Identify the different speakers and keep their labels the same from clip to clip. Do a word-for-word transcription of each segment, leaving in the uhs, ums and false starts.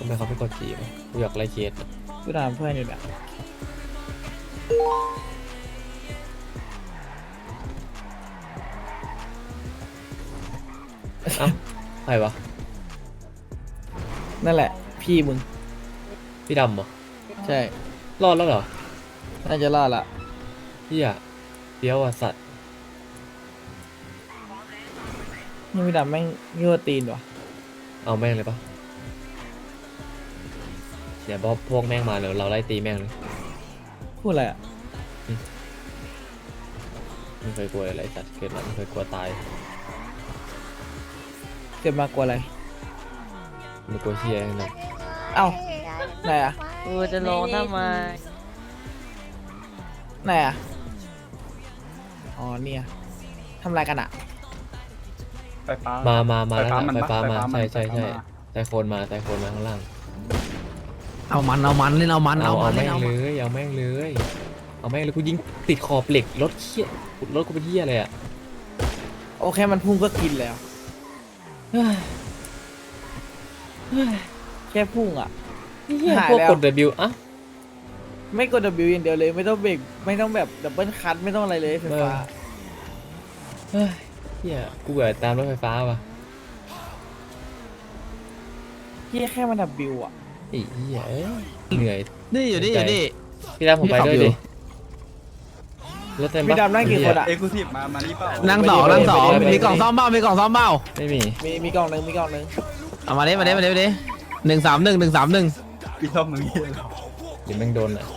Speaker 1: ทำไมเขาไม่กดจีบกูอยากไล่เคส
Speaker 2: กูตามเพื่อนอยู่เนี่ย
Speaker 1: เอ้าใครวะ
Speaker 2: นั่นแหละพี่มึง
Speaker 1: พี่ดำเหรอ
Speaker 2: ใช่
Speaker 1: รอดแล้วเหรอ
Speaker 2: น่าจะรอดละ
Speaker 1: พี่อะเดี๋ยวอ่ะสัตว์
Speaker 2: นี่พี่ดำแม่งยั่วตีนวะ
Speaker 1: เอาแม่งเลยปะเดี๋ยวพวกแม่งมาเดี๋ยวเราไล่ตีแม่งเลย
Speaker 2: พูดอะไรอ่ะ
Speaker 1: ไม่เคยกลัวอะไรสัตว์เกิดมาไม่เคยกลัวตาย
Speaker 2: เกิดมากลัวอะไร
Speaker 1: ไม่กลัวเชี่ยนะ
Speaker 2: เอ้าไหนอ่ะ
Speaker 3: กูจะลงทำไม
Speaker 2: ไหนอ่ะอ๋อเนี่ยทำอะไรกันอ่ะ
Speaker 4: ไฟฟ้า
Speaker 1: มามามาแล้ว
Speaker 4: ไฟฟ้า
Speaker 1: ไฟฟ้ามาใช่ใช่ใช่
Speaker 4: มา
Speaker 1: ไซโคนมาไซโคนมาข้างล่าง
Speaker 2: เอามันเอามันเล่นเอามัน
Speaker 1: เอา
Speaker 2: เอามั
Speaker 1: เอา
Speaker 2: น
Speaker 1: แม่
Speaker 2: เล่น
Speaker 1: ง
Speaker 2: เอา
Speaker 1: เลยเอาแม่งเลยเอาแม่งเลยกูยิงติดขอบเหล็กรถเชี่ยรถกูเป็นเหี้ยอะไรอ่ะ
Speaker 2: โอเคมันพุ่งก็กินแล้วแค่พุ่งอ่ะหาย
Speaker 1: พวก
Speaker 2: แล้ว
Speaker 1: กด W อ่ะ
Speaker 2: ไม่กด W อย่างเดียวเลยไม่ต้องเบรกไม่ต้องแบบดับเบิลคัทไม่ต้องอะไรเลยไฟฟ้า
Speaker 1: เฮ้ยเหี้ยกูเกิดตามรถไฟฟ้าว่ะ
Speaker 2: เฮียแค่มัน W อ่ะ
Speaker 1: ไอ้เหี้ยเหนื่อย
Speaker 2: นี่อยู่นี่อยู่นี่
Speaker 1: พี่ดำผมไปด้วยดิรถเต็มปะ
Speaker 2: พี่ดำนั่งกี่คนอ่ะ
Speaker 4: เอ็กซ์คลูซีฟมามานี่เปล่า
Speaker 2: นั่งสองนั่งสองมีกล่องซ่อมเบ้ามีกล่องซ่อมเบ้า
Speaker 1: ไม่มี
Speaker 2: มีมีกล่องหนึ่งมีกล่องหนึ่ง
Speaker 5: เอามาเด้มาเด้มาเด้มาเด้หนึ่งสามหนึ่งหนึ่งสามหนึ่ง
Speaker 4: พี่ชอบมึงเหี้ย
Speaker 1: เดี๋ยวแม่งโดนอ่ะ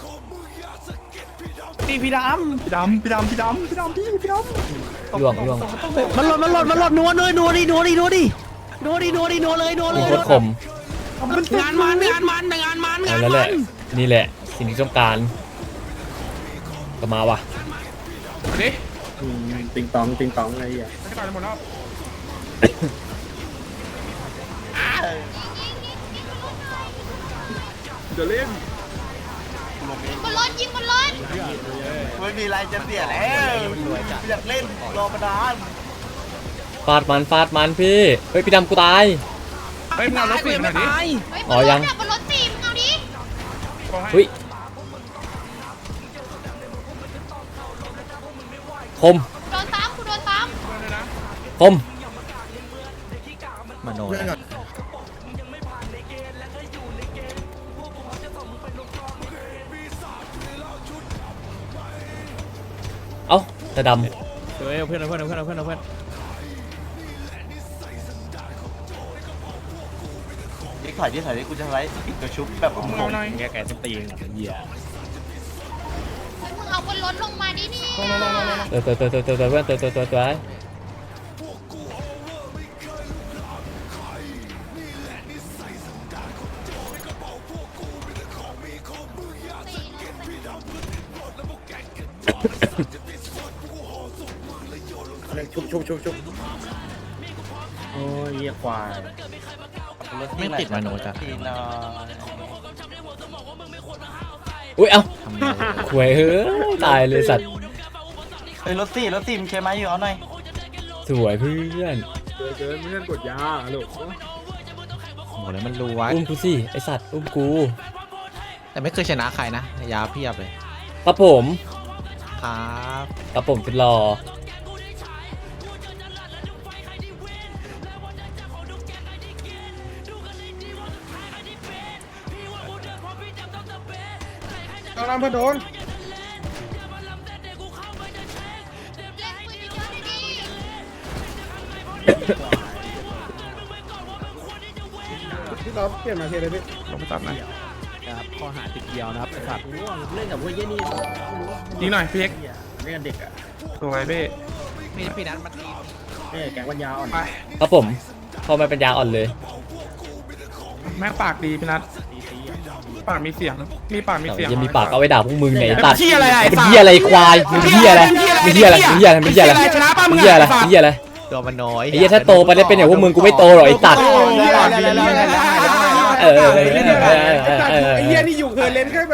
Speaker 2: พี่พี่ด
Speaker 4: พี่ดำพี่ดำพี่ดำพี่ดำพี่พี่ดำ
Speaker 1: ล่วงล่วง
Speaker 5: มันหล่นมันหล่นมันหล่นนัวนัวนัวดินัวดินัวดินัวดินัวดินัวเลยนัวเล
Speaker 1: กู
Speaker 5: ย
Speaker 1: โคตรคม
Speaker 5: งานมันงานมันงานมันงา
Speaker 1: เอา
Speaker 5: น
Speaker 1: แล้วแห
Speaker 5: มั
Speaker 1: ละ
Speaker 5: น
Speaker 1: นี่แหละสิ่งที่ต้องการก็มาว่ะ
Speaker 4: ติงตองติงตองอะไรอย่างเงี้ยเดี๋ยวเล่น
Speaker 6: บนรถยิงบนรถไม่มีอะไรจะเสียแล้วอยากเล่นรอมานาน
Speaker 1: ฟาดมันฟาดมันพี่เฮ้ยพี่ดำกูตาย
Speaker 4: เฮ้ยมึงเอารถสีมาดิ
Speaker 6: เฮ้ยบ
Speaker 1: อ๋อน
Speaker 6: ร
Speaker 1: ยั
Speaker 6: ถ
Speaker 1: ง
Speaker 6: อะบนรถสี่มึงเอาดิ
Speaker 1: เฮ้ยคม
Speaker 6: โดนซ้ำกูโดนซ้
Speaker 1: คม
Speaker 5: มโน
Speaker 1: เอ้าแต่ดำ
Speaker 5: เฮ้ยเพื่อนเพื่อนเพื่อนเพื่อนเพื่อน
Speaker 6: ำนี่ถ่ายที่ถ่ายที่กูจะไลฟ์ปิดกระชุบแบบผมงง
Speaker 5: แกแกจะตีนเหี้ย
Speaker 6: เฮ้ยมึงเอาบนรถลงมาดิเนี่ย
Speaker 1: เตยเตยเตยเตยเตยเตยเพื่อนเตยเตยเตยเตย
Speaker 4: ชุบชุบชุบชุบโอ้ยเหี้ยควาย
Speaker 5: ไม่ติดมโนจ้ะ
Speaker 1: อุ้ยเอ้าหวยเฮ้ยตายเลยสัตว์
Speaker 6: เฮ้ยรถสี่รถสี่มึงเคมาอยู่เอาหน่อย
Speaker 1: สวยเพื่อน
Speaker 4: เกินเกินเพื่อนกดยาลูก
Speaker 5: โหแล้วมันรู้วะ
Speaker 1: อุ้มกูสิไอสัตว์อุ้มกู
Speaker 5: แต่ไม่เคยชนะใครนะยาเพียบเลย
Speaker 1: ครับผม
Speaker 5: ครับ
Speaker 1: ครับผมจะรอ
Speaker 4: เอาน้ำเพื่อนโดน
Speaker 6: เล่นปืนเยอะๆดิ
Speaker 4: พี่ต๊อบเปลี่ยนมาเทเลยพี่ลงไปตัดนะ
Speaker 5: ครับข้อหาติดเดียวนะครับไอ้สัตว์
Speaker 4: เล่นกับพวกเยี่ยนี่ยิงหน่อยพี่เอ็กเล่นกับเด็กอ่ะสวยพี่
Speaker 5: พี่พี่นัทมันตี
Speaker 4: เอ้แกงปัญญาอ่อน
Speaker 1: ครับผมพอมาเป็นยาอ่อนเลย
Speaker 4: แม่ปากดีพี่นัทปากมีเสียงมีปากมีเสียง
Speaker 1: ยังมีปากเอาไว้ด่าพวกมึงไงตัด
Speaker 4: เหี้ยอะไร
Speaker 1: เป็นเหี้ยอะไรควายมึงเหี้ยอะไรมึงเหี้ยอะไรมึงเหี้ยอะไรมึงเหี้ยอะไร
Speaker 4: ชนะป่ะมึ
Speaker 1: มึ
Speaker 4: ง
Speaker 1: งเหี้ยอะไรมึงเหี้ยอะไร
Speaker 5: ตัวมันน้อย
Speaker 1: ไอ้เหี้ยถ้าโตไปได้เป็นอย่างพวกมึงกูไม่โตหรอกไอ้ตัดเออ
Speaker 4: ไอ้เหี้ยนี่อยู่เคยเล่นแค่แบบ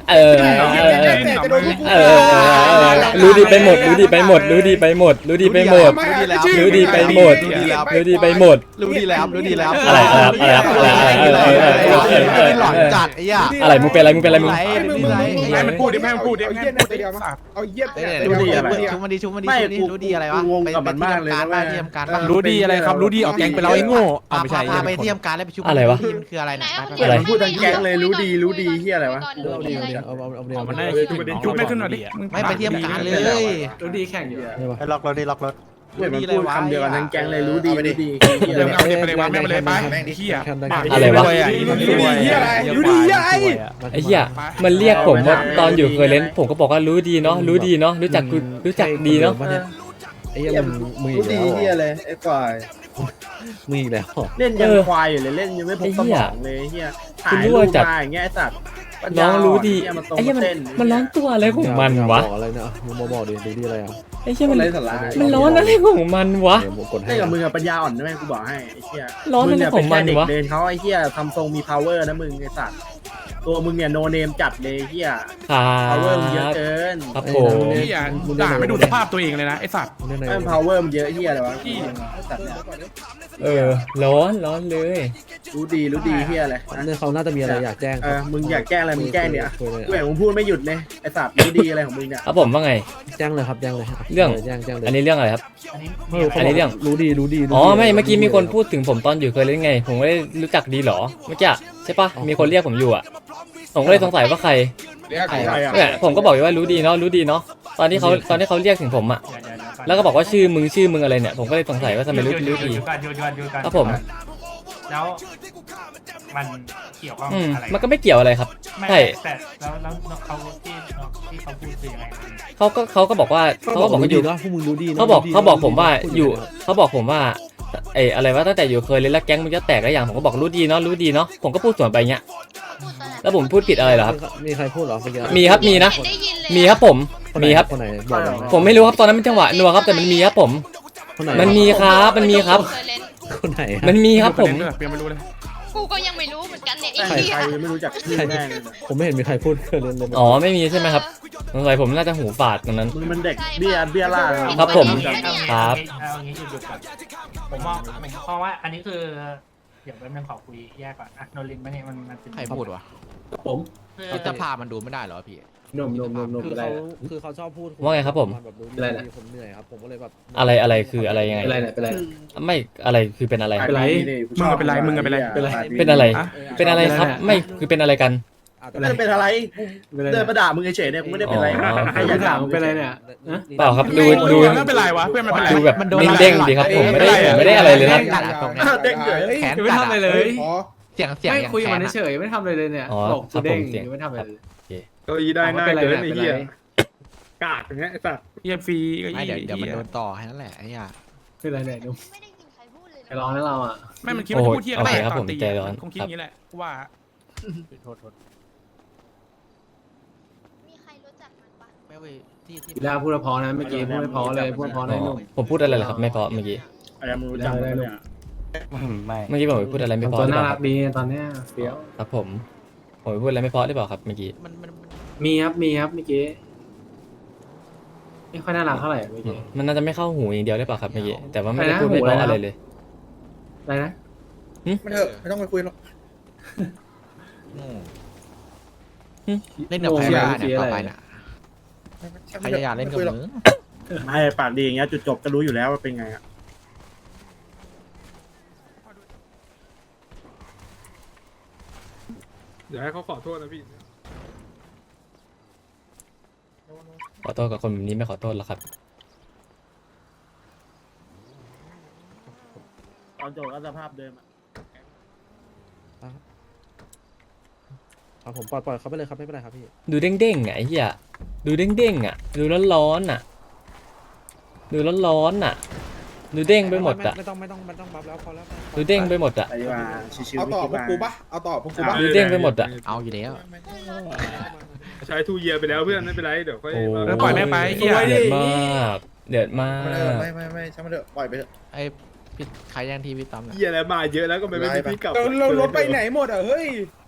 Speaker 1: เออเออเออรู้ดีไปหมดรู้ดีไปหมดรู้ดีไปหมดรู้ดีไปหมดรู้ดีไปหมดรู้ดีไปหมด
Speaker 5: รู้ดีแล้วรู้ดีแล้ว
Speaker 1: อะไรครับอะไรครับอะไรอะไรอะไร
Speaker 5: หลอนจัดไอ้ย่า
Speaker 1: อะไรมึงเป็นอะไรมึงเป็นอะไรมึง
Speaker 4: ให้มันพูดดิให้มันพูดดิให้มันพูดดิสัตว์
Speaker 3: เอาเยี่ยม
Speaker 5: รู้ดีอะไรชุบมันดีชุบมันดีชุบนี่รู้ดีอะไรวะไปไปที่ทำการบ้านที่ทำการบ้าน
Speaker 3: รู้ดีอะไรครับรู้ดีออกแกงไปแล้วไอ้โง่เอาไม่ใช่
Speaker 5: พาไปที่ทำการแล้วไปชุบทีมคืออะไรนะ
Speaker 1: อะไร
Speaker 6: พูดทั้งแก๊งเลยรู้ดีรู้ดีเฮียอะไรวะ
Speaker 2: เอาดีเอาดีเอาเอาเอาดีเอา
Speaker 4: มันได้จุ๊บไม่ขึ้นหน่อยดิ
Speaker 5: ไม่ไปที่ทำการเลย
Speaker 2: รู้ดีแข่งอยู่
Speaker 5: ล็อกรถดิล็อกรถ
Speaker 6: พูดพูดคำเดียวกันทั้งแก๊งเลยรู้ดีรู้ดี
Speaker 4: เดี๋ยวเอาเดี๋ยวไปเลยวางแม่งไปเลยไปเฮีย
Speaker 1: อะไรวะ
Speaker 3: รู้ดีเยี่ยอะไรรู้ดีเยี่ยอะไร
Speaker 1: ไอ้เหี้ยมันเรียกผมว่าตอนอยู่เคยเล่นผมก็บอกว่ารู้ดีเนาะรู้ดีเนาะรู้จักกูรู้จักดีเนาะ
Speaker 2: ไอ้ยังมึงอี
Speaker 6: รู้
Speaker 2: ก
Speaker 6: ดี
Speaker 2: แล้ว
Speaker 6: เฮียเลยไอ้ควาย
Speaker 2: มึงอีกแล้ว
Speaker 6: เล่นยังควายอยู่เลยเล่นยังไม่พบสมองเลยเฮียถ่ายรูปมาอย่างเงี้ยไอ้สัตว์
Speaker 1: น้องรู้ดี
Speaker 6: มาตรง
Speaker 1: ไอ้เหี้ย
Speaker 6: มา
Speaker 1: มัน
Speaker 6: เต้น
Speaker 1: มันร้อนตัวอะไรของมันวะ
Speaker 2: บอกอะไรนะมึงมาบอกดิรู้ดีอะไรอ่ะ
Speaker 1: ไอ้เหี้ยมัน
Speaker 6: ไรสาระ
Speaker 1: มันร้อนอะไรของมันวะ
Speaker 2: เดี๋ยวผมกดให้
Speaker 6: เล่นกับมึงอะปัญญาอ่อนใช่ไหมกูบอกให้ไอ้เหี้ย
Speaker 1: ร้อนอะไรของมันวะ
Speaker 6: เด็กเดินเขาไอ้เหี้ยทำทรงมี power นะมึงไอ้สัตว์ตัวมึงเนี่ยโนเนมจัดเลยไอ้เหี้ย
Speaker 1: ครั
Speaker 6: power มึงเยอะ
Speaker 1: บ
Speaker 6: เกิน
Speaker 1: ครับผม
Speaker 4: เฮียด่าไม่ดูสภาพตัวเองเลยนะไอ้สัตว์
Speaker 2: เล่นใน
Speaker 6: ไอ้ power มันเยอะเหี้ยอะไรวะ
Speaker 4: พี่
Speaker 6: ไอ้สัตว์เนี่ย
Speaker 1: เออร้อนร้อนเลย
Speaker 6: รู้ดีรู้ดีเหี้ยอะไรนะ
Speaker 2: เนี่ยเขาน่าจะมีอะไรอยากแจ้ง
Speaker 6: เออมึงอยากแกล้งอะไรมึงแกล้งเนี่ยกูเห็นมึงพูดไม่หยุดเลยไอ้สัตว์รู้ดีอะไรของมึงเนี่ย
Speaker 1: ครับผมว่าไง
Speaker 2: แจ้งเลยครับแจ้งเลย
Speaker 1: เรื่อง
Speaker 2: แจ้งแจ้งเลย
Speaker 1: อันนี้เรื่องอะไรครับ อันนี้เรื่อง
Speaker 2: รู้ดีรู้ดี
Speaker 1: อ๋อไม่เมื่อกี้มีคนพูดถึงผมตอนอยู่เคยเล่นไง ผมไม่ได้รู้จักดีหรอเมื่อกี้ใช่ปะมีคนเรียกผมอยู่อ่ะผมก็เลยสงสัยว่าใคร
Speaker 3: เรียกใคร
Speaker 6: ใครอ่ะ
Speaker 1: เนี่ยผมก็บอกอยู่ว่ารู้ดีเนาะรู้ดีเนาะตอนที่เขาตอนที่เขาเรียกถึงผมอ่ะแล้วก็บอกว่าชื่อมึงชื่อมึงอะไรเนี่ยผมก็เลยสงสัยว่าทำไมรู้รู้ดี
Speaker 7: อยู่กันอยู่กันอยู่กัน
Speaker 1: ครับผม
Speaker 7: แล้วมันเกี่ยวข้อง
Speaker 1: อืม
Speaker 7: อะไร
Speaker 1: มันก็ไม่เกี่ยวอะไรครับ
Speaker 7: ไม่
Speaker 1: ใช่
Speaker 7: แต่แล้วแล้วเขาที่ที่เขาพูดคือยังไง
Speaker 1: เขาก็เขาก็บอกว่าเขาก็บอกว่าอยู่
Speaker 2: นะพวกมึงรู้ดี
Speaker 1: เขาบอกเขาบอกผมว่าอยู่เขาบอกผมว่าเอออะไรว่าตั้งแต่อยู่เคยเล่นแล้วแก๊งมึงจะแตกแล้วอย่างผมก็บอกรู้ดีเนาะรู้ดีเนาะผมก็พูดสวนไปเงี้ยแล้วผมพูดผิดอะไรเหรอครับ
Speaker 2: มีใครพูดหรอเมื่อกี้
Speaker 1: มีครับมีนะ
Speaker 8: ได้ยินเลย
Speaker 1: มีครับผมมีครับ
Speaker 2: คนไหนบอกหน่อย
Speaker 1: ผมไม่รู้ครับตอนนั้นมันจังหวะนัวครับแต่มันมีครับผม
Speaker 2: คนไหน
Speaker 1: มันมีครับมันมีครับ
Speaker 8: เคยเล่น
Speaker 2: คนไหน
Speaker 1: มันมีครับผม
Speaker 4: เปลี่ยนไม่รู้เลย
Speaker 8: กูก็ยังไม่รู้เหมือนกันเนี่ยไอ้
Speaker 6: ใคร
Speaker 8: เหี้
Speaker 6: ใค
Speaker 8: ย
Speaker 6: รไม่รู้จักชื่อแม่งเลย
Speaker 2: ผมไม่เห็นมีใครพูดเคยเล่นเลย
Speaker 1: อ๋อไม่มีใช่ไหมครับสงสัยผมน่าจะหูฝาดตรงนั้น
Speaker 6: มึงมันเด็กเบี้ยเบี้ยล่าเลย
Speaker 1: ครับผม ครับ
Speaker 7: เอางี้หยุดหยุดก่อนผมมองเพราะว่าอันนี้คือเดี๋ยวแป๊บนึงขอคุยแยกก่อนอะโนลินมันเนี่ยมันมันเป็น
Speaker 5: ใครพูดวะ
Speaker 2: ผม
Speaker 5: พิจภามันดูไม่ได้เหรอพี่
Speaker 2: นมนมนมนมคือเขาคือเขาชอบพูด
Speaker 1: ว่าไงครับผม
Speaker 2: แบบรู้ดีผมเหนื่อยครับผมก็เลยแบบ
Speaker 1: อะไรอะไรคืออะไรยังไง
Speaker 2: เป็นไรเนี่ยเป็นไร
Speaker 1: ไม่อะไรคือเป็นอะไร
Speaker 6: เป็นไร
Speaker 4: มึงเป็นไรมึงเป็นไร
Speaker 2: เป็นไร
Speaker 1: เป็นอะไร เป็นอะไรครับไม่คือเป็นอะไรกัน
Speaker 6: ไม่ได้เป็นอะไรกูเดินมาด่ามึงเฉยๆเนี่ยกูไม่ได้เป็นอะไร
Speaker 1: อ๋อ
Speaker 6: ใครอยากด่ามึงเป็นไรเนี่ย
Speaker 1: เปล่าครับดูดู
Speaker 4: ไม่เป็นไรวะเพื่อนมันเป็นไร
Speaker 1: ดูแบบเด้งๆดีครับผมไม่ได้ผมไม่ได้อะไรเลยนะ
Speaker 5: กัดอะตรงเนี้ย
Speaker 6: เด้งเฉย
Speaker 5: แขน
Speaker 3: ไม่
Speaker 5: กัด
Speaker 3: ทำอะไร
Speaker 5: อะ
Speaker 3: เลย
Speaker 5: เสียงเสียง
Speaker 3: ไม่
Speaker 5: อย่าง
Speaker 3: คุยกับ
Speaker 5: แข
Speaker 3: มัน น
Speaker 5: อะ
Speaker 3: เฉยไม่ทำอะไรเลยเนี่ย
Speaker 1: อ๋อ
Speaker 3: บอก
Speaker 1: ครั
Speaker 3: กู
Speaker 1: บผ
Speaker 3: เด้ง
Speaker 1: มเสียง
Speaker 3: ไม่ทำอะไรเลย
Speaker 6: เก้าอี้ได้หน้าเกินไอ้เหี้ยกากอย่างเงี้ยไอ้สัส
Speaker 4: เฮียฟรีก็
Speaker 5: ไม่
Speaker 4: ยี่
Speaker 5: เดี๋ยวเดี๋ยวมันโดนต่อแค่นั้นแหละไอ้เหี้ย
Speaker 3: เป็นไรเนี่ยดู
Speaker 8: ไม่ได้ยินใครพูดเลย
Speaker 3: ไปร้องแล้วเราอ่ะ
Speaker 4: ไม่มันคิดว่าจะพูดเที่ยอะไรตอนตีคงคิดอย่างนี้แหละว่า
Speaker 8: มีใครรู้จักมันปะ
Speaker 5: ไม่เว้ยที่ที่
Speaker 3: พี่ดาพูดพอนะเมื่อกี้พูดไม่พอเลยพูดพอ
Speaker 1: อ๋
Speaker 3: ได้
Speaker 1: อ
Speaker 3: นุ่ม
Speaker 1: ผมพูดอะไรเหรอครับไม่เพราะเมื่อกี้
Speaker 6: อะไรมึงรู้จักมั้ยเนี่ย
Speaker 1: เมื่อกี้ผมพูดอะไรไม่เพราะ
Speaker 3: ตัว
Speaker 1: หรือ
Speaker 3: น่า
Speaker 1: เปล่า
Speaker 3: รักดีตอนเนี้ยเฟี้ยว
Speaker 1: ครับผมผมพูดอะไรไม่เพราะหรือเปล่าครับเมื่อกี้
Speaker 5: มันมันมัน
Speaker 3: มีครับมีครับเมื่อกี้ไม่ค่อยน่ารักเท่าไหร่เมื่อกี้
Speaker 1: มันน่าจะไม่เข้าหูอย่างเดียวหรือเปล่าครับเมื่อกี้แต่ว่าไม่
Speaker 3: อะไร
Speaker 1: ได้
Speaker 3: นะ
Speaker 1: พูดไม่เพราะ
Speaker 3: หูอะไรนะ
Speaker 1: อะไรเลย
Speaker 3: อะไรนะ
Speaker 6: ไม่เถอะไม่ต้องไปคุยหรอก
Speaker 5: โง่เล่นกับใครบ้างเนี่ยต่อไปน่ะใครจะอยากเล่นกับมึง
Speaker 6: ไม่ปากดีอย่างเงี้ยจุดจบก็รู้อยู่แล้วว่าเป็นไงอ่ะ
Speaker 4: เดี๋ยวให้เขาขอโทษนะพี่
Speaker 1: ขอโทษกับคนแบบนี้ไม่ขอโทษหรอกครับ
Speaker 6: ตอนจบก็สภาพเดิม
Speaker 2: ครับผมปล่อยปล่อยเขาไปเลยครับไม่เป็นไรครับพี่
Speaker 1: ดูเด้งๆอ่ะไอ้เหี้ยดูเด้งๆอ่ะดูร้อนๆอ่ะดูร้อนๆอ่ะดูเด้งไปหมดอ่ะ
Speaker 2: ไม่ต้องไม่ต้องไม่ต้องบัฟแล้วพอแล้ว
Speaker 1: ดูเด้งไปหมดอ่ะ
Speaker 6: ไปดีกว่าชิวๆ
Speaker 3: เอาต่อพวกกูปะ
Speaker 6: เอาต่อพวกกูปะ
Speaker 1: ดูเด้งไปหมดอ่ะ
Speaker 5: เอาอยู่แล้ว
Speaker 4: ใช้ทูเยียไปแล้วเพื่อนไม่เป็นไรเดี๋ยวค่อย
Speaker 1: โอ้
Speaker 4: แล้วปล่อยแม่ไปเฮีย
Speaker 1: เดือดมากเดือดมาก
Speaker 6: ไม่ไม่ไม่ช่างมันเถอะปล่อยไปเถอะ
Speaker 5: ไอ้พี่ใครยังทีพี่ตั้มเนี่ย
Speaker 4: เยียอะไรมาเยอะแล้วก็ไม่ไม่พี่กลับ
Speaker 3: เราเรารถไปไหนหมดอ่ะเฮ้ย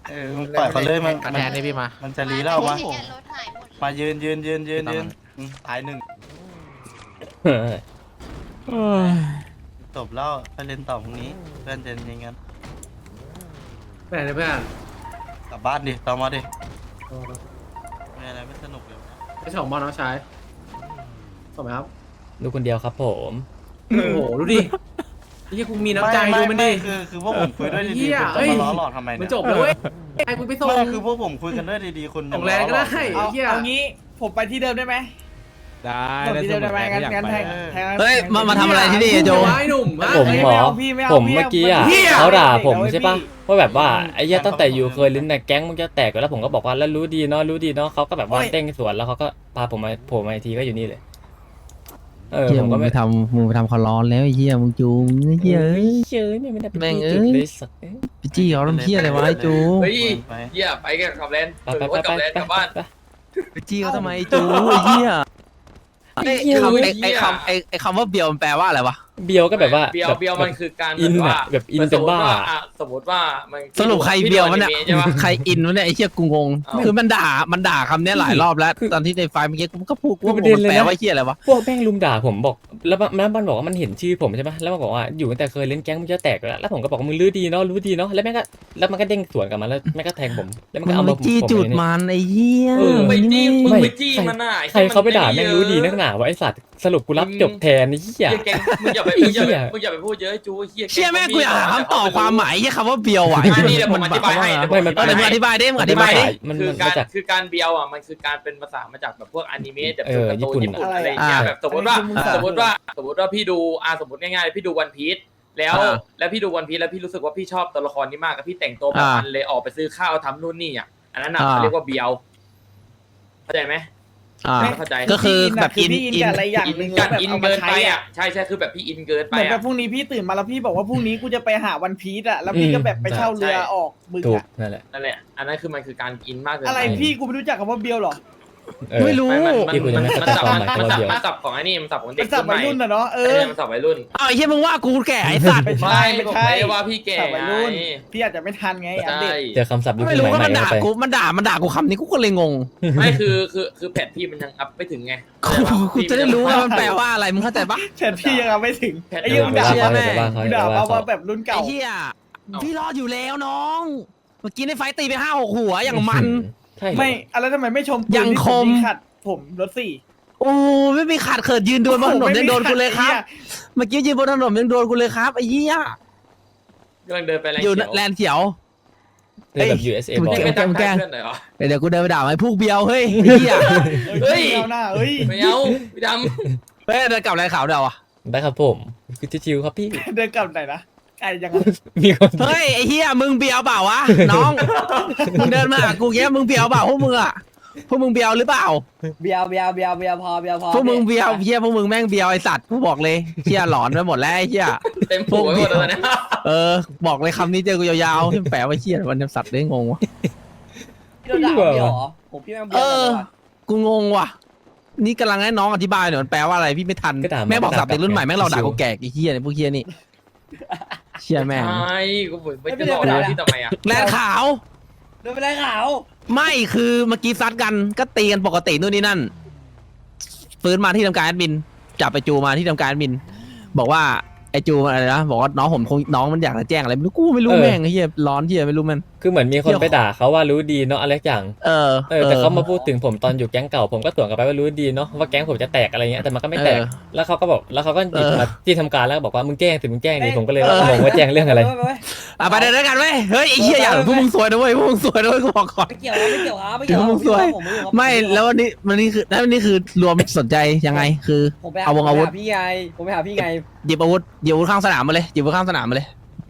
Speaker 6: เออมึงปล่อยเขาเลยมัน
Speaker 5: คะ
Speaker 6: มัน
Speaker 5: แนนนี่พี่มา
Speaker 6: มันจะรีแล้ววะ
Speaker 8: ที่แกรถหายหมดเลย
Speaker 6: มายืนยืนยืนยืนยืนอืมตายหนึ่ง
Speaker 1: เออ
Speaker 6: จบแล้วไปเล่นต่อพรุ่งนี้เพื่อนจะยังไง
Speaker 3: ไปไหนเพื่อน
Speaker 6: กลับบ้านดิต่อมาดิไม่อะไรไม่สนุกเลย
Speaker 3: ไปส่งบอลน้องชายส่งไหมครับ
Speaker 1: ดูคนเดียวครับผม
Speaker 3: โอ้โหดูดิไอ้เหี้ยกูมีน้ำใจดูมันดิ
Speaker 6: คือคือพวกผมคุยด้วย
Speaker 3: เหี้
Speaker 6: ดี
Speaker 3: ย
Speaker 6: ๆคุณ
Speaker 3: เอ้
Speaker 6: จะ
Speaker 3: ย
Speaker 6: มาล้อหลอกทำไม
Speaker 3: มั
Speaker 6: เนี่
Speaker 3: น
Speaker 6: ย
Speaker 3: จบแล้วเว้ยไอ้กูไปส่ง
Speaker 6: ไม่คือพวกผมคุยกันด้วยดีๆคุณ
Speaker 3: ส่งแรงก็ได้
Speaker 2: เอา
Speaker 3: เหี้ย
Speaker 2: เอางี้ผมไปที่เดิมได้ไหม
Speaker 5: ได้
Speaker 2: ส่งที่เดิมได้ไหมงั้นงั้นแทงแทง
Speaker 9: เฮ้ยมามาทำอะไรที่นี่อะโจ
Speaker 3: ไอ้หนุ่มฮะ
Speaker 1: ผม
Speaker 2: เอ้ย
Speaker 1: หมอ
Speaker 2: ไม่เอาพี่ไม่เอา
Speaker 1: ผม
Speaker 2: พี่
Speaker 1: เมื่อกี้อ่ะ
Speaker 2: พี่อะ
Speaker 1: เขาด่าผม
Speaker 2: เด็กๆ
Speaker 1: ใช่ปะ
Speaker 2: เอาไว้พี่
Speaker 1: ว่าแบบว่าไอ้เหี้ยตั้งแต่อยู่เคยลิ้นในแก๊งมึงจะแตกแล้วผมก็บอกว่าแล้วรู้ดีเนาะรู้ดีเนาะเขาก็แบบว่าเต้งสวนแล้วเขาก็พาผมมาโผล่มาอีกทีก็อยู่นี่เลยเออ
Speaker 9: เฮีย
Speaker 1: ผม
Speaker 9: มึ
Speaker 1: ก็
Speaker 9: งไป
Speaker 1: ไม่
Speaker 9: ทำมึงไปทำเขาร้อนแล้วไอ้เฮียมึงจูงเฮียเอ้ย
Speaker 1: เชยเนี่ยไม่ได้ไป
Speaker 9: แม่ง
Speaker 1: ที่
Speaker 9: เอ้
Speaker 1: จุด
Speaker 9: ย
Speaker 1: เลยสัก
Speaker 9: ไปจี้เขาทำเฮียอะไรวะไอ้จู
Speaker 6: เฮ้ย
Speaker 10: เหี้ยไปกันกับแลน
Speaker 1: ไปไปไปไปไปไป
Speaker 9: ไปจี้เขาทำไมไอ้จูไอ้เฮีย
Speaker 1: ไอ้
Speaker 9: ไอ้
Speaker 1: เหี้ย
Speaker 9: คำไอ้ไอ้คำไอ้ไอ้คำว่าเบียวมันแปลว่าอะไรวะ
Speaker 1: เบียวก็แบบว่า
Speaker 10: เบียว
Speaker 1: แบบ
Speaker 10: เบียวมันคือการ
Speaker 1: อิน
Speaker 10: แบบว่า
Speaker 1: อะแบบอินเป็นบ้า
Speaker 10: สมมติว่ามัน
Speaker 9: สรุปใครเบียวมันเนี่ย
Speaker 10: ใช่ปะ
Speaker 9: ใครอินวะเนี่ยไอ้เฮียกูงง
Speaker 10: เอ้า
Speaker 9: คือมันด่ามันด่าคำเนี้ยหลายรอบแล้ว
Speaker 1: คือ
Speaker 9: ตอนที่ในไฟล์เมื่อกี้กูก็พูดกูว่า
Speaker 1: คือประเด็น
Speaker 9: มัน
Speaker 1: เลย
Speaker 9: แปล
Speaker 1: นะ
Speaker 9: ว่าเฮียอะไรวะ
Speaker 1: พวกแม่งลุมด่าผมบอกแล้วมันแล้วมันบอกว่ามันเห็นชื่อผมใช่ไหมแล้วมันบอกว่าอยู่ตั้งแต่เคยเล่นแก๊งมันจะแตกแล้วแล้วผมก็บอกว่ามึงรู้ดีเนาะรู้ดีเนาะแล้วแม่งก็แล้วมันก็เด้งสวนกลับมาแล้วแม่งก็แทงผมแล้วมัน
Speaker 9: มึ
Speaker 1: ก็
Speaker 9: ง
Speaker 1: เอา
Speaker 9: ไป
Speaker 1: มาผม
Speaker 9: จี้
Speaker 1: ผม
Speaker 9: จุด
Speaker 1: เลยเนี่ย
Speaker 9: มันไอ้เฮีย
Speaker 1: เออ
Speaker 10: ไปจี้มึง
Speaker 1: ไม่
Speaker 10: ไปจี้มันน่ะ
Speaker 1: ใครเขาไปด่าแม่งรู้ดีนักหนาวะไอสัตว์สรุปกูรับจบแทนนี่เหี้ย
Speaker 10: เหี้ยแกงมึงอย่าไปมึงอย่าไปมึงอย่าไปพูดเยอะไอ้จูเหี้ยแกง
Speaker 9: เชี่ยแม่งกูอยากหาคำตอบความหมายเฮียคำว่าเบียวว่ะ
Speaker 10: อันนี้เดี๋ยวผมอธิบายให้
Speaker 1: ไม่มัน
Speaker 9: เออเดี๋ยวมึงอธิบายดิมึงอธิบายดิ
Speaker 1: มัน
Speaker 10: คือ
Speaker 1: มัน
Speaker 10: การ
Speaker 1: มาจาก
Speaker 10: คือการเบียวอ่ะมันคือการเป็นภาษามาจากแบบพวกอนิเมะแบบ
Speaker 1: เออ
Speaker 10: การ์ตูน
Speaker 1: ญี่
Speaker 10: ญี่
Speaker 1: ปุ่
Speaker 10: ปุ่
Speaker 1: น
Speaker 10: นอะไรอย่างเงี้ย
Speaker 9: อ่า
Speaker 10: แบบสมมติว่า
Speaker 2: อันนี้คือ
Speaker 10: สมมติว่าสมมติว่าพี่ดูอ่าสมมติง่ายๆพี่ดูวันพีซแล้ว
Speaker 9: อ่า
Speaker 10: แล้วพี่ดูวันพีซแล้วพี่รู้สึกว่าพี่ชอบตัวละครนี้มากกับพี่แต่งตัวแบบ
Speaker 9: อ่ามั
Speaker 10: มันเลยออกไปซื้อข้าวทำนู่นนี่อ่ะอันนั้นอ่ะ
Speaker 9: อ่า
Speaker 10: เขาเรียกว่าเบียวเข้าใจไหม
Speaker 9: อ่า
Speaker 10: เข้าใจ
Speaker 9: ก็คือแบบ
Speaker 2: พี่
Speaker 9: อิน
Speaker 2: พี่อิน
Speaker 9: อิน
Speaker 2: กับอะไรอย่าง
Speaker 10: อิน
Speaker 2: หนึ่ง
Speaker 10: กั
Speaker 2: แล้ว
Speaker 10: น
Speaker 2: แบบ
Speaker 10: อิน
Speaker 2: เอามา
Speaker 10: เกิน
Speaker 2: ใช้
Speaker 10: ไป
Speaker 2: อะ
Speaker 10: อ่ะใช่ใช่คือแบบพี่อินเกินไป
Speaker 2: เหมือนแบ
Speaker 10: อ่ะ
Speaker 2: บพรุ่งนี้พี่ตื่นมาแล้วพี่บอกว่าพรุ่งนี้กูจะไปหาวันพีซอะแล้วพี่ก็แบบไปเช่าเรือออกบึง
Speaker 1: ถูก
Speaker 2: อะ
Speaker 1: นั่นแหละ
Speaker 10: นั่นแหละอันนั้นคือมันคือการอินมากเกิน
Speaker 2: อะไร
Speaker 10: ไป
Speaker 2: พี่กูไม่รู้จักคำว่าเบียวหรอ
Speaker 1: เออ
Speaker 9: ไม่รู้
Speaker 10: ไม่มันมัน
Speaker 1: ที่คุณจะ
Speaker 10: มัน
Speaker 1: ไม่
Speaker 10: มันสับ
Speaker 1: เข้าใจความหมาย
Speaker 10: มัน
Speaker 1: คำว่า
Speaker 10: สับ
Speaker 1: เบียว
Speaker 10: มันสับของไอ้นี่มันสับของเด็
Speaker 2: เป็
Speaker 10: ก
Speaker 2: นสับ
Speaker 10: รุ่นให
Speaker 2: วัย
Speaker 10: ม่
Speaker 2: รุ่นอะเนาะเอ
Speaker 10: เอ
Speaker 2: อ
Speaker 10: อมันสับวัยรุ่น
Speaker 9: อ้าวไอ้เหี้ยมึงว่ากูแก่ไอ้สัตว์
Speaker 2: ไม่ใช่
Speaker 10: ไม่
Speaker 2: ไม่
Speaker 10: ผม
Speaker 2: ใช่
Speaker 10: ไม่ได้ว่าพี่แก่
Speaker 2: สับวัยรุ่น
Speaker 10: ไง
Speaker 2: พี่อาจจะไม่ทันไงอัป
Speaker 10: ใช่
Speaker 2: เดต
Speaker 1: เจอคำศัพท์ยุค
Speaker 9: ไม่
Speaker 1: ส
Speaker 9: รู้
Speaker 1: มัย
Speaker 9: ว่า
Speaker 1: ใหม่
Speaker 9: มันด่า
Speaker 1: เข้าไป
Speaker 9: กูมันด่ามันด่ากูคำนี้กูก็เลยงง
Speaker 10: ไม่คือคือคือแพทพี่มันยังอัพไม่ถึงไง
Speaker 9: กูกูจะได้รู้ว่ามันแปลว่าอะไรมึงเข้าใจปะ
Speaker 2: แทนพี่ยังเอาไม่ถึง
Speaker 10: แพท
Speaker 2: ไอ้
Speaker 1: เดี๋
Speaker 2: เหี้
Speaker 1: ย
Speaker 2: ยัง
Speaker 1: ว
Speaker 2: มึง
Speaker 1: ไป
Speaker 2: ด่า
Speaker 1: ว่าเขาเดี๋ยวไปว่าเขา
Speaker 2: มึง
Speaker 1: เดี๋ยว
Speaker 2: ด่า
Speaker 1: ไปว่า
Speaker 2: ว่า
Speaker 1: เขา
Speaker 2: แบบรุ่น
Speaker 9: ไอ้
Speaker 2: เก่า
Speaker 9: เหี้ยพี่รอดอยู่แล้วน้อง เมื่อกี้ในไฟตีไปห้าหกหัวอย่างมัน
Speaker 1: ใช่เหรอ
Speaker 2: ไม่อะไรทำไมไม่ชมปืน
Speaker 9: ยัง
Speaker 2: ที่
Speaker 9: คม
Speaker 2: ผมขัดผมรถสี่
Speaker 9: โอ้ไม่มีขาดเขิดยืนโดนบนถนนยังโดนกูเลยครับ เมื่อกี้ยืนบนถนนยังโดนกูเลยครับไอ้เหี้ย
Speaker 10: กำลังเดินไปแรง
Speaker 9: อยู่
Speaker 10: เขียว
Speaker 9: แลนด์เขียว
Speaker 1: คือแบบ ยู เอส เอ บอก
Speaker 10: ไม่
Speaker 9: แก
Speaker 10: ไป
Speaker 9: ล้ง
Speaker 10: ทัก
Speaker 9: แกล้
Speaker 10: ทาย
Speaker 9: ง
Speaker 10: เพื่อนหน่อยเหรอ
Speaker 9: เดี๋ยวกูเดินไปด่าไอ้พวกเบียวเฮ้ยไอ้เหี้ย
Speaker 10: เฮ้ย
Speaker 2: ไม่เอาหน้าเฮ้ย
Speaker 10: ไม่เอาพี่ด
Speaker 9: เฮ้ยเดินกลับแลนด์ขาวเดี๋ยวอ่ะ
Speaker 1: ได้ครับผมคือชิวๆครับพี่
Speaker 2: เดินกลับไหนนะไอ้ยังไง
Speaker 1: มีคน
Speaker 9: เฮ้ยไอ้เหี้ยมึงเบียวเปล่าวะน้องมึงเดินมาหากูเงี้ยมึงเบียวเปล่าพวกมึงอ่ะพวกมึงเบียวหรือเปล่า
Speaker 2: เบียวเบียวเบียวเบียวพอเบียวพอ
Speaker 9: พวกมึงเบียวเหี้ยพวกมึงแม่งเบียวไอสัตว์กูบอกเลยเหี้ยหลอนไปหมดแล้วไอ้เหี้ย
Speaker 10: ำเต็มหัวไปหมดแล้วเนี่ย
Speaker 9: เออบอกเลยคำนี้เจอกูยาวๆที่แปลว่าเหี้ยวันนี้สัตว์ได้งงวะ
Speaker 2: พี่เราด่าเบียวเหรอผมพี่แม่งเบี
Speaker 9: เอ
Speaker 2: ยว
Speaker 9: อ กูงงว่ะ นี่กำลังให้น้องอธิบายหน่อยมันแปลว่าอะไรพี่ไม่ทัน
Speaker 1: ก็ด่า
Speaker 9: แม่งบอกสับเด็กรุ่นใหม่แม่งเราด่า
Speaker 1: ชิว
Speaker 9: กูแก่ไอ้เหี้ยเนี่ยพวกเหี้ยนี่เชี่ยแม่ง
Speaker 10: ใช่กูเหมือนไม่จะหลอกด่าพี่ทำไมอ่ะ
Speaker 9: แลนขาว
Speaker 2: เดินไปได้ขาว
Speaker 9: ไม่คือเมื่อกี้ซัดกันก็ตีกันปกตินู่นนี่นั่นฟื้นมาที่ทำการแอดมินจับไปจูมาที่ทำการแอดมิน บอกว่าไอจูมันอะไรนะบอกว่าน้องผมคงน้องมันอยากจะแจ้งอะไรไม่รู้กูไม่รู้แม่งไอ้เหี้ยร้อนเหี้ยไม่รู้มัน
Speaker 1: คือเหมือนมีคนไปด่าเขาว่ารู้ดีเนาะอะไรสักอย่าง
Speaker 9: เออ
Speaker 1: เออแต่เขามาพูดถึงผมตอนอยู่แก๊งเก่าผมก็สวนกลับไปว่ารู้ดีเนาะว่าแก๊งผมจะแตกอะไรเงี้ยแต่มันก็ไม่แตก
Speaker 9: เออ
Speaker 1: แล้วเขาก็บอกแล้วเขาก็หยิบ
Speaker 9: เออ
Speaker 1: มาที่ทำการแล้วก็บอกว่ามึงแจ้งสิมึงแจ้งดิผมก็เลย
Speaker 9: เออ
Speaker 1: งงว่าแจ้งเรื่องอะไร
Speaker 9: อ่ะไปเดินด้วยกันเว้ยเฮ้ยไอ้เหี้ยอย่าพวกมึงสวยนะเว้ยพวกมึงสวยนะเว้ยกูบอกก่อน
Speaker 2: ไม่เกี่ยวไม่เกี่ยวครับไม่เกี่ยว
Speaker 9: เดี๋ยวมึงสวย ไม่แล้ววันนี้วันนี้คือแล้ววันนี้คือรวมสนใจยังไงคือ
Speaker 2: ผมไปหา
Speaker 9: เอาวงอาวุธ
Speaker 2: พี่ไงผมไปหาพี่ไง
Speaker 9: หยิบอาวุธหยิบอาวุธข้างสนามมาเลยหยิบอาวุธข้างสนามมาเลย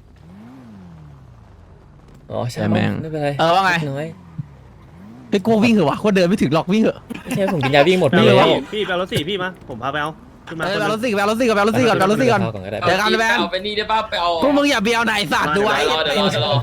Speaker 1: อ๋อใช่
Speaker 9: แม่ง
Speaker 1: ไม่เป็นไร
Speaker 9: เออว่าไง
Speaker 1: น้อย
Speaker 9: เฮ้ยกูวิ่งเหรอวะกูเดินไม่ถึงหรอกวิ่งเหอะ
Speaker 1: ไม่ใช่ผมกินยาวิ่งหมดไป
Speaker 3: พี่
Speaker 1: แล้ว
Speaker 3: พี่ไปเอารถสี่พี่มาผมพาไปเอาขึ้นมา
Speaker 9: เออแบลรถสี่แบลรถสี่ก่อนแบลรถสี่ก่อนแบลรถสี่ก่อน
Speaker 1: ก่อนก็ได้
Speaker 9: เดี๋ยวกันเลยแบน
Speaker 10: เอาไปนี่ได้ป่ะไปเอา
Speaker 9: พวกมึงอย่าเบียวไหนสัตว์ดูไว้
Speaker 10: เดี๋ยวรอเดี๋ยวรอเดี๋ยวรอ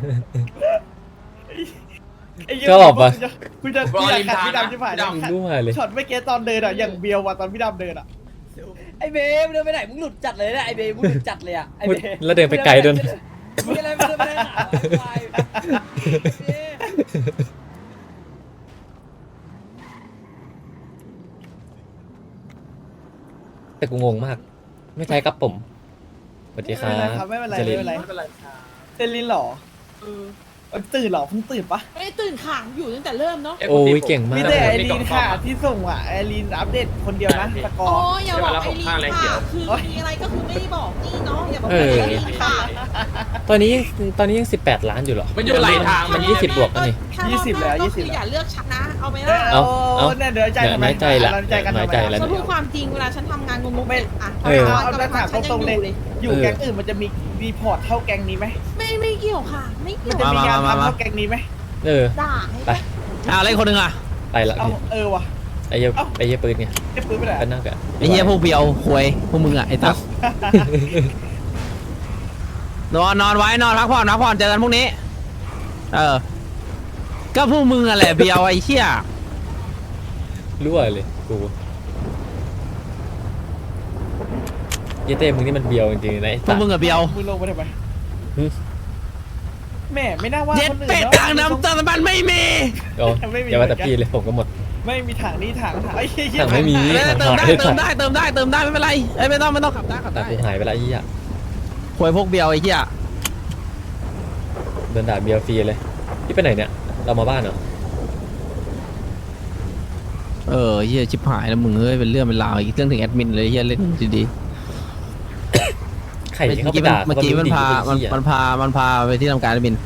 Speaker 1: ชอบอ่ะ
Speaker 2: กูจะ
Speaker 10: ร
Speaker 2: กู
Speaker 10: อ
Speaker 2: จะ
Speaker 10: ริม
Speaker 2: ขัด
Speaker 10: ทาง
Speaker 2: พี่
Speaker 10: นะ
Speaker 2: ดำที่ผ่าน
Speaker 10: พี่ดำ
Speaker 1: รู้มาเลย
Speaker 2: ช็อตเมื่อกี้ตอนเดินอ่ะอย่างเบียวว่ะตอนพี่ดำเดินอ่ะไอเบมเดินไปไหนมึงหลุดจัดเลยนะไอเบมมึงหลุดจัดเลยอ่ะไอเบม
Speaker 1: แล้วเดินไปไกลด้วย
Speaker 2: มึงอะไรมึงเดินไปไหนหาไอ้ควาย
Speaker 1: แต่กูงงมาก ไม่ใช่ครับผมสวัสดีครั
Speaker 2: ไม่เป็นไร
Speaker 1: บ
Speaker 2: ครับไม่เป็นไร
Speaker 1: จ
Speaker 2: ไม่เป็นไรเซนลินเหรอเออตื่นเหรอเพิ่งตื่นปะ
Speaker 11: ไม่ตื่นขังอยู่ตั้งแต่เริ่มเนาะ
Speaker 1: โอ้ยเก่งมา
Speaker 2: มี
Speaker 1: ก
Speaker 2: แต่ไอรีนค่ะที่ส่งอ่ะไอรีนอัปเดตคนเดียวนะสกอ
Speaker 11: โอ้
Speaker 2: ร์
Speaker 11: ยอย่าบอกไอ้ลีค่ะคือมีอะไรก็คือไม่ได้บอกนี่เนาะอย่าบอกไอ้ลีค่ะ
Speaker 1: ตอนนี้ตอนนี้ยังสิบแปดล้านอยู่เหรอ
Speaker 10: มันอยู่ไหลทาง
Speaker 1: มันยี่สิบบวกแล้วนี่
Speaker 2: ยี่สิบแล้วยี่สิบ
Speaker 11: อ
Speaker 2: แล้ว
Speaker 11: ย่าเลือกฉันนะ เอาไหม
Speaker 2: เอ
Speaker 11: ล่ะ
Speaker 2: อ
Speaker 1: เอาเอา
Speaker 2: เนี่ยเดี๋ยวใจ
Speaker 1: เนี่ย
Speaker 2: ทำไม
Speaker 1: น้อยใจละ
Speaker 2: เราใจกันทำ
Speaker 1: น้อย
Speaker 2: ไม
Speaker 1: ใจละ
Speaker 11: ฉันพูดความจริงเวลาฉันทำงานงงๆอ่ะ
Speaker 1: เออ
Speaker 2: เอาแล้วถามตรงๆเลยอยู่แก๊งอื่นมันจะมีรีพอร์ตเท่าแก๊งนี้ไหม
Speaker 11: ไม่ไม่เกี่ยวค่ะ ไม่เกี่
Speaker 2: มัน
Speaker 11: ยว
Speaker 2: จะมีงานทำเท่าแก๊งนี้ไหม
Speaker 1: เออ
Speaker 11: ด่าให้
Speaker 1: ไป
Speaker 9: อ่าอะไรคนหนึ่งอ่ะ
Speaker 1: ไปละ
Speaker 2: เอาเออว่ะ
Speaker 1: ไอ้เหี้ย
Speaker 2: เอ้า
Speaker 1: ไอ้เหี้ยปืนไง
Speaker 2: จะปืนไปไหน
Speaker 1: กันนั่งกัน
Speaker 9: ไอ้เหี้ยพวกเบียวควยพวกมึงอ่ะไอ้ตั๊กนอนนอนไว้นอนพักผ่อนพักผ่อนเจอกันพรุ่งนี้ เออ ก็พวกมึงอ่ะแหละเบียวไอ้เหี้ย
Speaker 1: รั่วเลยกูเหี้ยเต้มึงนี่มันเบียวจริงๆนะไอ้
Speaker 9: พว
Speaker 1: สั
Speaker 9: ก
Speaker 1: ส
Speaker 9: มึงอ่ะเบียว
Speaker 2: มือลงไปทำไม
Speaker 1: หึ
Speaker 2: แม่ไม่น่าว่า
Speaker 9: เย็ด
Speaker 2: คนอื่น
Speaker 9: เป็ด
Speaker 2: เนาะ
Speaker 9: ต่างน้ำตาลมันไม่มี
Speaker 1: โอ้
Speaker 2: ไม่มี
Speaker 1: อย่าว่าแต่พี่เลยผมก็หมด
Speaker 2: ไม่มีถังนี่ถังถังไอ้เหี้ย
Speaker 1: ถังไม่มี
Speaker 9: เออเติมได้เติมได้เติมได้เติมได้ไม่เป็นไรเอ้ยไม่ต้องไม่ต้องขับได้ขับ
Speaker 1: แต่
Speaker 9: ได้
Speaker 1: กูหายไปละไอ้เหี้ย
Speaker 9: ควยพวกเบียวไอ้เหี้ย
Speaker 1: โดนด่าเบียวฟรีเลยพี่ไปไหนเนี่ยเรามาบ้านเหรอ
Speaker 9: เออเหี้ยชิบหายแล้วมึงเอ้ยเป็นเรื่องเป็นราวอีกเรื่องถึงแอดมินเลยเหี้ยเล่นดี
Speaker 1: ไข่
Speaker 9: ๆเมื่
Speaker 1: ที่เขา
Speaker 9: อ
Speaker 1: ไป
Speaker 9: กี้มัน
Speaker 1: ด่า
Speaker 9: เมื่อกี้มันพามันมันพามันพาไปที่ทำการแอดมิน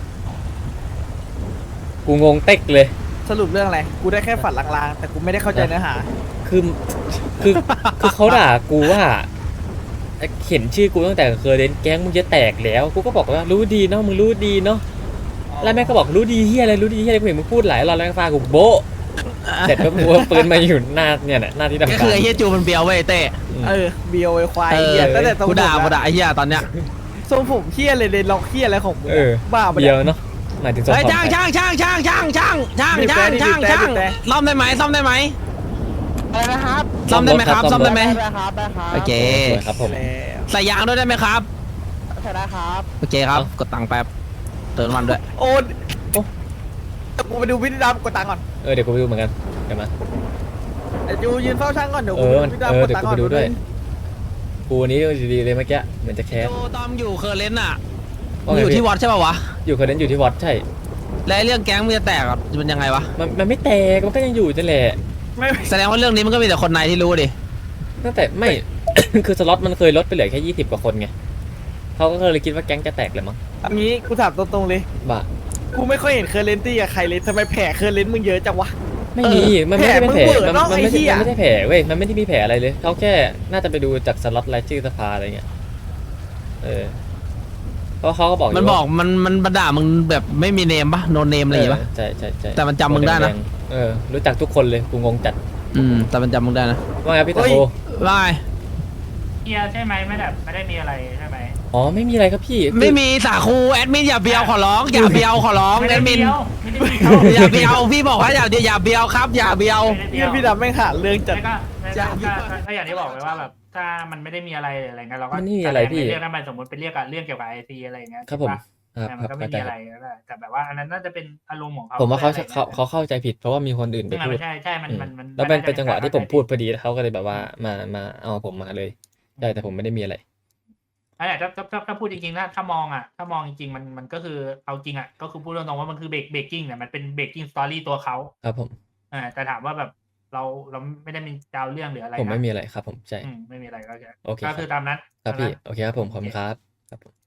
Speaker 1: กูงงเต็กเลย
Speaker 2: สรุปเรื่องอะไร กูได้แค่ฝันลางๆ แต่กูไม่ได้เข้าใจเนื้อหา
Speaker 1: คือคือคือเขาด่ากูว่าเห็นชื่อกูตั้งแต่เคยเล่นแก๊งมึงจะแตกแล้วกูก็บอกว่ารู้ดีเนาะมึงรู้ดีเนาะแล้วแม่ก็บอกรู้ดีเฮียอะไรรู้ดีเฮียอะไรกูเห็นมึงพูดหลายรอบแล้วฟ้ากูโบ๊ะเสร็จแล้วกูเอาปืนมาอยู่หน้าเนี่ยหน้าที่ทำ
Speaker 9: ก็
Speaker 1: การ
Speaker 9: คือไอ้เหี้ยจูมันเบียวเว้ยเต้
Speaker 2: เออเบียวไอ้ควาย
Speaker 9: เออ
Speaker 2: เหี้ยตั้งแต่ทรง
Speaker 9: กู
Speaker 2: ผม
Speaker 9: ด่ากูด่า
Speaker 2: อะ
Speaker 9: ไอ้เหี้ยตอนเนี้ย
Speaker 2: ทรงผมเหี้ยเลยเลยล็อกเหี้ยอะไรของมึง
Speaker 1: เออ
Speaker 2: อะบ้าปะ
Speaker 1: เดี
Speaker 2: เนี่ย
Speaker 1: ยวเนาะหมายถึงสอง
Speaker 9: เฮ้ย
Speaker 1: คน
Speaker 9: ช่างช่างช่างช่างช่างช่างช่าง
Speaker 2: บีบ
Speaker 9: ช่าง
Speaker 2: แต่
Speaker 9: ช่าง
Speaker 2: บีบแต่
Speaker 9: ช่าง
Speaker 2: บีบแต่
Speaker 9: ซ่อมได้ไหมซ่อมได้ไหม
Speaker 6: อะไรนะครับ
Speaker 9: ซ่อมได้ไหมครับซ่อมได้ไหม
Speaker 6: ได้ครับได้ครับ
Speaker 9: โอเค
Speaker 1: สวยครับผม
Speaker 2: แล้ว
Speaker 9: ใส่ยางด้วยได้ไหมครับ
Speaker 6: ใช่ได้ครับ
Speaker 9: โอเคครับกดตังค์แป๊บเติมน้ำมันด้วย
Speaker 2: โอนโอ้กูไปดูวิธีดำกดตังค์ก่อน
Speaker 1: เออเดี๋ยวกูไปดูเหมือนกันเดี๋ยวมา
Speaker 2: ไอ้จูยืนเฝ้าช่างก่อนเดี๋ยว
Speaker 1: เอ
Speaker 2: กู
Speaker 1: อ
Speaker 2: ไป
Speaker 1: มัน
Speaker 2: ดูวิธี
Speaker 1: เออ
Speaker 2: ดำกด
Speaker 1: เดี๋ยว
Speaker 2: ตังค์
Speaker 1: กู
Speaker 2: ก่อ
Speaker 1: ไป
Speaker 2: น
Speaker 1: ดูด้วยกูวันนี้ดีๆเลยเมื่อกี้เหมือนจะแคส
Speaker 9: โจตอมอยู่เคอร์เลนต์อ่ะ
Speaker 1: ว่า
Speaker 9: มึง
Speaker 1: ไง
Speaker 9: อยู่
Speaker 1: พี่
Speaker 9: ที่วัดใช่ป่าวะ
Speaker 1: อยู่คนนั้นอยู่ที่วัดใช่
Speaker 9: และเรื่องแก๊งมึงจะแตกอะมันยังไงวะ
Speaker 1: มันมันไม่แตกมันก็ยังอยู่นั่นแหละ
Speaker 2: ไม่
Speaker 9: แสดงว่าเรื่องนี้มันก็มีแต่คนในที่รู้ดิ
Speaker 1: ตั้งแต่ไม่ คือสล็อตมันเคยลดไปเหลือแค่ยี่สิบกว่าคนไงเขาก็เลยคิดว่าแก๊งจะแตกเลยมั้ง
Speaker 2: อันนี้กูถามตรงๆเลย
Speaker 1: บ้า
Speaker 2: กูไม่ค่อยเห็นเคอร์เรนตี้กับใครเลยทำไมแผลเคอร์เรนต์มึงเยอะจังวะ
Speaker 1: ไม่มีมันไม่ได้เป็นแผล
Speaker 2: แผลมึงเวอร์
Speaker 1: มัน
Speaker 2: เนอะ
Speaker 1: มันไม่
Speaker 2: ไอ้เหี้
Speaker 1: ใช่
Speaker 2: ย
Speaker 1: มันไม่ใช่แผลเว้ยมันไม่ได้มีแผลอะไรเลยเขาแค่น่าจะไปดูจากสล็อตรายชื่อสภาอะไรเงี้ยเออเพราะเขาก็บอกยู่
Speaker 9: มันบอก
Speaker 1: ว่า
Speaker 9: มันมันมันด่ามึงแบบไม่มีเนมปะโนเนมอะไรอย่างงี้ปะ
Speaker 1: เใช่ใช่ใช่
Speaker 9: แต่มันจำมึงได้นะ
Speaker 1: เออรู้จักทุกคนเลยกูงงจัด
Speaker 9: อืมแต่มันจำมึงได้นะ
Speaker 1: ว่าไงพี่ตะโก
Speaker 9: ว่าไง
Speaker 7: เฮียใช่ไหมไม่แบบไม่ได้มีอะไรใช่ไหม
Speaker 1: อ๋อไม่มีอะไรครับพี่คือ
Speaker 9: ไม่มีสาคูแอดมินอย่าเบียวขอร้องอย่าเบียวขอร้อง
Speaker 7: ไม่
Speaker 9: แอ
Speaker 7: ได้
Speaker 9: ดมิน
Speaker 7: เบี้ยวไม่ได้เบี้ยว
Speaker 9: อย่าเบียวพี่บอกว่าอย่าอย่าเบียวครับ อย่าเบียว
Speaker 7: ไม่ได้
Speaker 2: เหี้
Speaker 7: เบี้
Speaker 2: ย
Speaker 7: ยว
Speaker 2: พี่ดำแม่งหาเรื่องจัด
Speaker 7: แล้วก็แล้วก็ก็ก็อย่างที่บอกไปว่าแบบถ้ามันไม่ได้มีอะไรอะไรเงี้ยเราก็
Speaker 1: มันไม่มีอะไรพี่
Speaker 7: เรียกนั้นไปสมมติเป็นเรียกอะเรื่องเกี่ยวกับไอซีอะไรเงี้ย
Speaker 1: ครับผม
Speaker 7: ถูกปะ
Speaker 1: ครับ
Speaker 7: แต่
Speaker 1: ค
Speaker 7: มั
Speaker 1: รั
Speaker 7: น
Speaker 1: บ
Speaker 7: ก็ไม่
Speaker 1: เข้าใจ
Speaker 7: มีอะไรก็ได้แต่แบบว่าอันนั้นน่าจะเป็นอารมณ์ของเขา
Speaker 1: ผมว่าเขา
Speaker 7: อะไร
Speaker 1: เขาเขาเข้าใจผิดเพราะว่ามีคนอื่นไป
Speaker 7: ซึ่งมัน
Speaker 1: พูด
Speaker 7: ไม่ใช่ใช่มันมันมัน
Speaker 1: แล้วเป็น
Speaker 7: มั
Speaker 1: เป็นจังหวะที่ผม
Speaker 7: เข้าใจ
Speaker 1: พูดพอดีแล้วเขาก็เลยแบบว่ามามาเอาผมมาเลยใช่แต่ผมไม่ได้มีอะไร
Speaker 7: อันนี้ถ้าถ้าถ้าถ้าพูดจริงๆถ้าถ้ามองอ่ะถ้ามองจริงๆมันมันก็คือเอาจริงอ่ะก็คือพูดตรงๆว่ามันคือเบรกเบรกกิ้งเนี่ยมันเป็นเบรกกิ้งสตอรี่ตัวเขา
Speaker 1: ครับผม
Speaker 7: อ่าแต่ถามว่าแบบเราเราไม่ได้มีเจ้าเรื่องหรืออะไร
Speaker 1: ผม
Speaker 7: นะ
Speaker 1: ไม่มีอะไรครับผมใช่
Speaker 7: อืมไม่มีอะไรก็แค่
Speaker 1: โอเค
Speaker 7: ก็คือตามนั้น
Speaker 1: ครับพี่
Speaker 7: ตามนั้น
Speaker 1: โอเคครับผมขอบคุณครับครับผม